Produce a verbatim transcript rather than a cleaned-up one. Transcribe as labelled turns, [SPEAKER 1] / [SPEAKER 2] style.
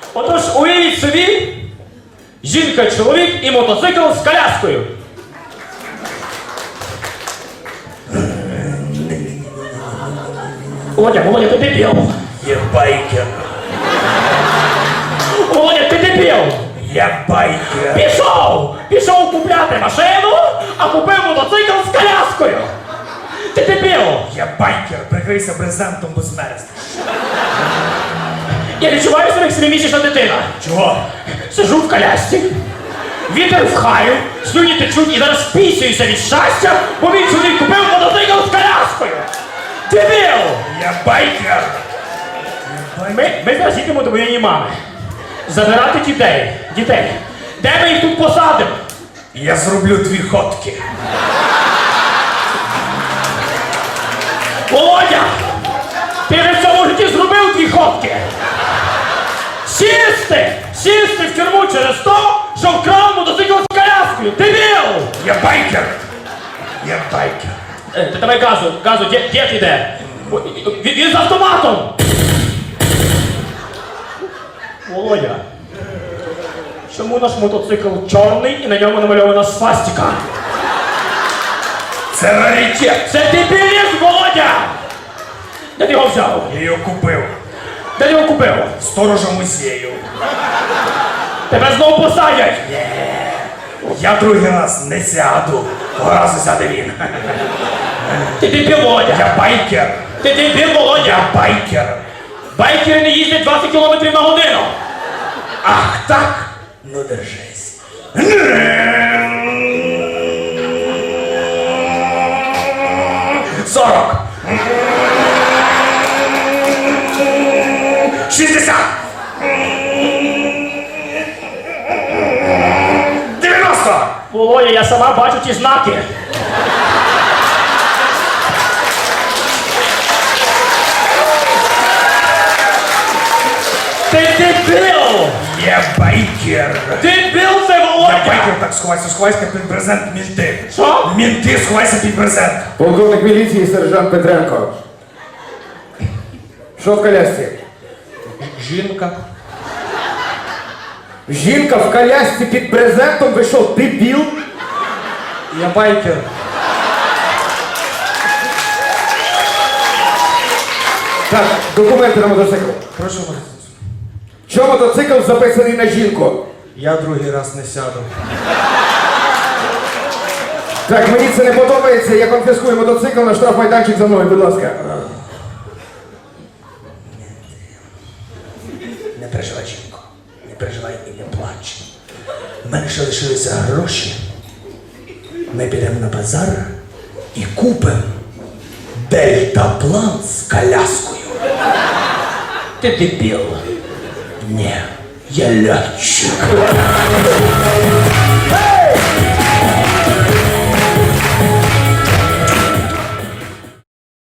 [SPEAKER 1] Отож, уявіть собі, жінка, чоловік і мотоцикл з коляскою. Володя, Володя, ти дебіл.
[SPEAKER 2] Я байкер.
[SPEAKER 1] Володя, ти дебіл.
[SPEAKER 2] Я байкер.
[SPEAKER 1] Пішов! Пішов купляти машину, а купив мотоцикл з коляскою. Ти дебіл.
[SPEAKER 2] Я байкер. Прикрийся брезентом, бо змерзнеш.
[SPEAKER 1] Я відчуваю себе як семимісячна дитина.
[SPEAKER 2] Чого?
[SPEAKER 1] Сижу в колясці, вітер в хаю, слюні течуть і зараз пісююся від щастя, бо мій чоловік купив мотоцикл з коляскою. Дебіл!
[SPEAKER 2] Я байкер.
[SPEAKER 1] Ми, ми зараз їдемо до моєї мами. Забирати дітей. Дітей. Де ми їх тут посадимо?
[SPEAKER 2] Я зроблю дві ходки.
[SPEAKER 1] Володя! Ти вже в цьому житті зробив дві ходки! Сісти! Сісти в тюрму через то, що вкрав мотоцикл з коляскою! Дебіл!
[SPEAKER 2] Я байкер. Я байкер.
[SPEAKER 1] Е, Ти давай газу, газу, дід дід іде. О, Він, він з автоматом! Володя, чому наш мотоцикл чорний і на ньому намальована свастика?
[SPEAKER 2] Це раритет.
[SPEAKER 1] Це дебілізм, Володя! Де ти його взяв?
[SPEAKER 2] Я його купив.
[SPEAKER 1] Де ти його купив?
[SPEAKER 2] Сторожа музею.
[SPEAKER 1] Тебе знову посадять!
[SPEAKER 2] Я другий раз не сяду. Того разу сяде він.
[SPEAKER 1] Ти дебіл, Володя!
[SPEAKER 2] Я байкер.
[SPEAKER 1] Ти дебіл, Володя!
[SPEAKER 2] Я байкер.
[SPEAKER 1] Байкери не їздять двадцять кілометрів на годину!
[SPEAKER 2] Ах так? Ну держись. Сорок. Шістдесят. Дев'яносто.
[SPEAKER 1] Володя, я сама бачу ті знаки! Ти дебіл!
[SPEAKER 2] Я байкер.
[SPEAKER 1] Дебіл це,
[SPEAKER 2] Я
[SPEAKER 1] Володя!
[SPEAKER 2] байкер, так сховайся, сховайся під брезент мінти.
[SPEAKER 1] Що?
[SPEAKER 2] Мінти, сховайся під брезент.
[SPEAKER 3] Полковник міліції сержант Петренко. Що в колясці?
[SPEAKER 1] Жінка.
[SPEAKER 3] Жінка в колясці під брезентом, ви що, дебіл?
[SPEAKER 1] Я байкер.
[SPEAKER 3] Так, документи на мотоцикл.
[SPEAKER 2] Прошу вас.
[SPEAKER 3] Чому мотоцикл записаний на жінку?
[SPEAKER 2] Я другий раз не сяду.
[SPEAKER 3] Так, мені це не подобається, я конфіскую мотоцикл на штрафмайданчик за мною, будь ласка.
[SPEAKER 2] Не переживай, жінко. Не переживай і не плач. У мене ще лишилися гроші. Ми підемо на базар і купимо дельтаплан з коляскою.
[SPEAKER 1] Ти дебіл.
[SPEAKER 2] Ні, я льотчик.